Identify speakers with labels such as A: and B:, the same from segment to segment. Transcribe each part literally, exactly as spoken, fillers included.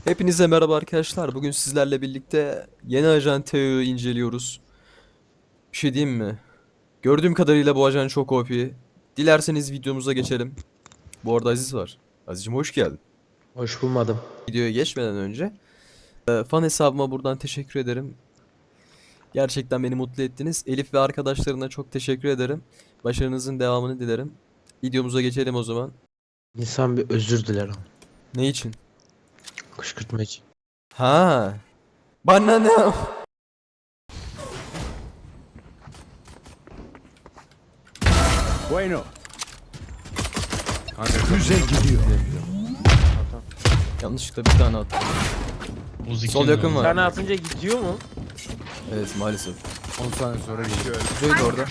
A: Hepinize merhaba arkadaşlar. Bugün sizlerle birlikte yeni ajan Teo'yu inceliyoruz. Bir şey diyeyim mi? Gördüğüm kadarıyla bu ajan çok O P. Dilerseniz videomuza geçelim. Bu arada Aziz var. Aziz'cim hoş geldin.
B: Hoş bulmadım.
A: Videoya geçmeden önce e, fan hesabıma buradan teşekkür ederim. Gerçekten beni mutlu ettiniz. Elif ve arkadaşlarına çok teşekkür ederim. Başarınızın devamını dilerim. Videomuza geçelim o zaman.
B: İnsan bir özür diler ama.
A: Ne için?
B: Kışkırtma için.
A: Ha. Bana ne?
C: Bueno.
D: Füze gidiyor.
A: Yanlışlıkla bir tane attım. Sol yakın var.
B: Tane atınca gidiyor mu?
A: Evet maalesef.
D: on saniye sonra geliyor.
A: Kuzey de orada.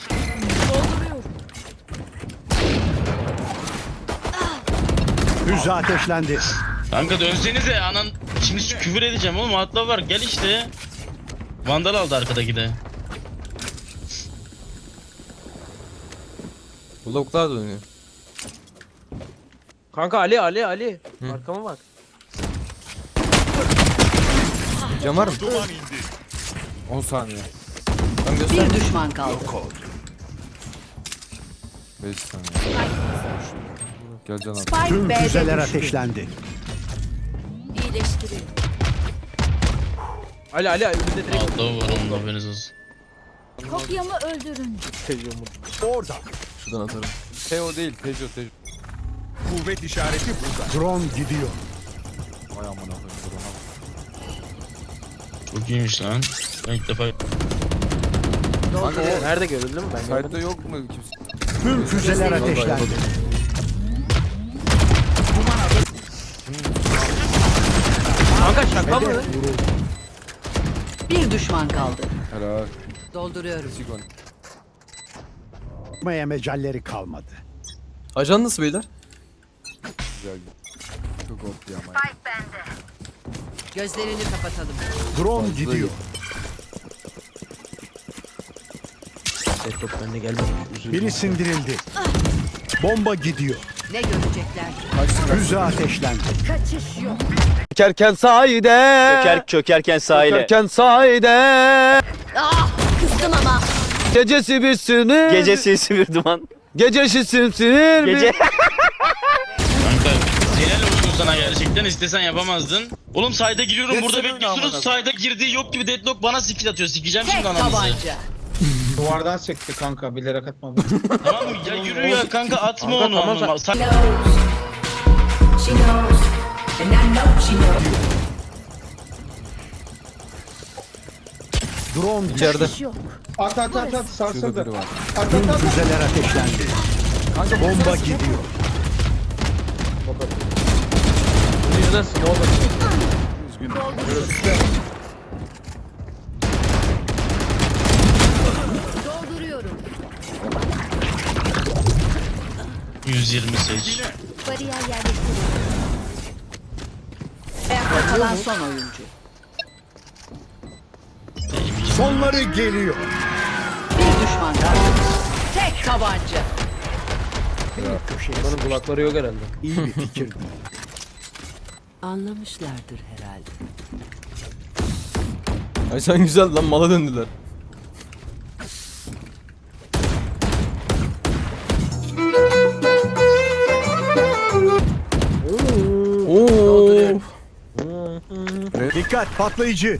C: Füze ateşlendi.
E: Kanka dönsenize anan şimdi küfür edeceğim oğlum atla var gel işte. Vandal aldı arkadaki de.
A: Bu lavuklar da dönüyor.
B: Kanka Ali Ali Ali.
A: Hı.
B: Arkama bak.
A: Cam var mı?
D: on saniye.
A: Tam göster.
F: Bir düşman kaldı.
D: beş saniye. Gel can at.
F: Spike
C: Tüm
F: B'de
C: füzeler
F: düştü.
C: ateşlendi.
F: İyileştiriyor.
B: Ali Ali önünde direkt
E: Altta var onun da haberiniz olsun.
F: Kopyamı öldürün.
B: seviyorum.
C: Orada.
A: Şuradan atarım.
D: Teo değil, Tejo, Tejo.
C: Kuvvet işareti burada. Drone gidiyor.
D: Vay amına koyayım drone.
E: Çok iyiymiş lan. Ben ilk defa
B: Kanka nerede görüldü mü ben
D: Site'da
B: görmedim.
D: yok mu kimse?
C: Tüm füzeler ateşlendi.
B: Kanka şaka mı?
F: Bir düşman kaldı.
D: Helal.
F: Dolduruyorum.
D: Sigon.
C: Yapmaya mecalleri kalmadı.
A: Ajan nasıl beyler?
D: Güzel. Çok ortaya ama.
F: Gözlerini kapatalım.
C: Drone
D: Fazla
C: gidiyor.
B: Desktop bende gelmedi. Üzüldüm.
C: Biri sindirildi. Bomba gidiyor.
F: Ne görecekler?
C: Füze ateşlendi.
F: Kaçış yok.
G: Çökerken sahide Çöker, çökerken sahile Çökerken sahide
F: Ah! Kızdım ama.
G: Gecesi bir sinir
F: Gece
G: sesi bir duman Gecesi simsinir Gece
E: kanka helal olsun sana gerçekten istesen yapamazdın. Oğlum sayda giriyorum burada bekliyorsunuz sayda girdiği yok gibi deadlock bana skill atıyor sikeceğim
F: Tek
E: şimdi ananızı.
F: tabanca.
H: Duvardan sekti kanka bilerek atmadım.
E: Tamam mı ya yürü ya kanka atma
B: Kanka,
E: onu.
B: tamam,
E: Ama- Say-
C: Drone
A: İçeride.
F: Kaçış yok.
H: At at at at
D: Şurada
H: sarsıldı.
D: biri var.
H: At
C: Tüm
H: at at.
C: füzeler ateşlendi. Bomba gidiyor.
B: Bu yüzden smoke
F: Dolduruyorum.
E: yüz yirmi seç.
F: Bariyer yerleştiriyorum. Ayakta kalan son oyuncu.
C: Sonları geliyor.
F: Bir düşman kaldı. Tek tabanca.
B: Bunun kulakları yok herhalde.
C: İyi bir fikirdi.
F: Anlamışlardır herhalde.
A: Ajan güzel lan mala döndüler. Oo.
C: Dikkat patlayıcı.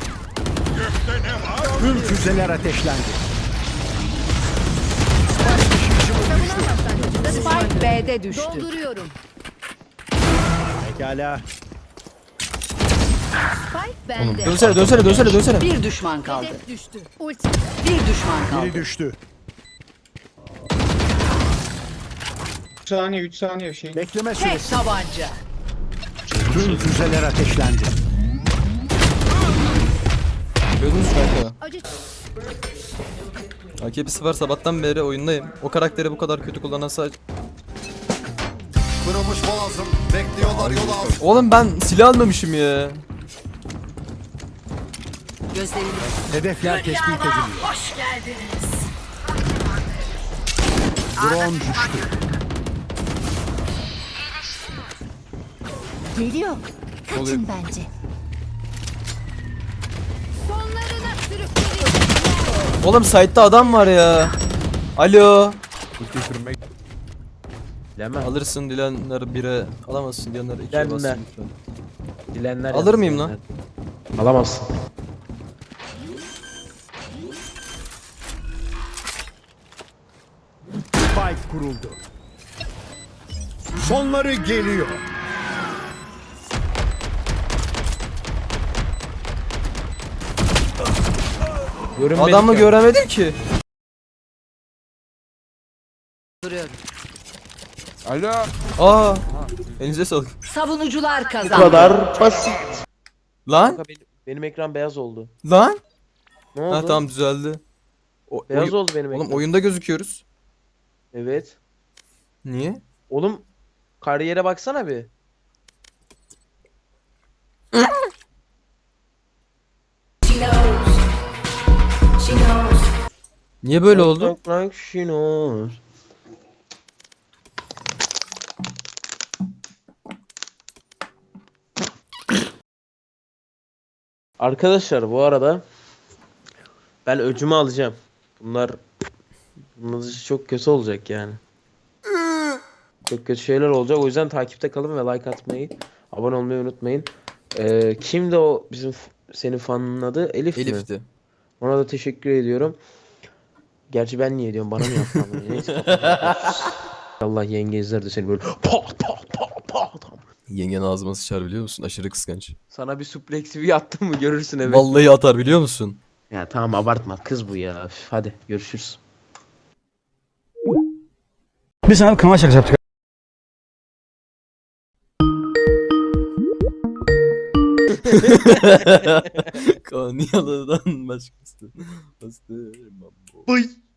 C: Tüm füzeler ateşlendi.
F: Spike B'de düştü. Dolduruyorum.
C: Pekala.
F: Spike bende.
A: Dönsene dönsene dönsene dönsene.
F: Bir düşman kaldı. Düştü. Ulti. Bir düşman kaldı.
C: Biri düştü.
H: üç saniye üç saniye şey.
C: Bekleme
F: Tek
C: süresi.
F: tabanca.
C: Tüm füzeler ateşlendi.
A: Gördünüz mü kanka?
F: Acı.
A: A K P'si var sabahtan beri oyundayım. O karakteri bu kadar kötü kullanan sadece...
D: Kırılmış boğazım. Bekliyorlar yol altı.
A: Oğlum ben silah almamışım ya.
F: Gözlerini.
C: Hedefler tespit ediliyor.
F: Hoş geldiniz.
C: Drone düştü.
F: Geliyor.
A: oluyor?
F: bence. Sonlarına sürükleyecekler.
A: Oğlum site'da adam var ya. Alo.
D: Ulti sürmek.
B: Bilemem.
A: Alırsın dilenler bire, alamazsın diyenler ikiye
B: Dilenler.
A: bassın lütfen.
B: Dilenler
A: Alır
B: yazdı,
A: mıyım lan?
B: dilenler. Alamazsın.
C: Spike kuruldu. Sonları geliyor.
B: Görünmedik
A: Adamı
B: ya.
A: göremedim ki.
F: Duruyorum.
D: Alo.
A: Aa. Elinize sağlık.
F: Savunucular
B: Bu
F: kazandı.
B: kadar basit.
A: Lan.
B: Kanka benim, benim ekran beyaz oldu.
A: Lan.
B: Ne oldu?
A: Ha tamam düzeldi. O,
B: Beyaz
A: oy-
B: oldu benim ekran.
A: Oğlum oyunda gözüküyoruz.
B: Evet.
A: Niye?
B: Oğlum kariyere baksana bir.
A: Niye böyle oldu?
B: Talk like she knows. Arkadaşlar bu arada ben öcümü alacağım. Bunlar bunlar çok kötü olacak yani. Çok kötü şeyler olacak. O yüzden takipte kalın ve like atmayı, abone olmayı unutmayın. Ee, kimdi o bizim f- senin fanın adı? Elif mi?
A: Elif'ti.
B: Ona da teşekkür ediyorum. Gerçi ben niye diyorum? Bana mı yaptın bunu? Neyse. Allah yenge izler de seni böyle pat pat pat pat.
A: Yengen ağzıma sıçar biliyor musun? Aşırı kıskanç.
B: Sana bir suplex bir attım mı görürsün evet.
A: Vallahi atar biliyor musun?
B: Ya tamam abartma kız bu ya. Üf, hadi görüşürüz.
I: Biz sana kanal şakası yaptık.
A: Konyalı'dan başkası. Bastı.
B: Bıy.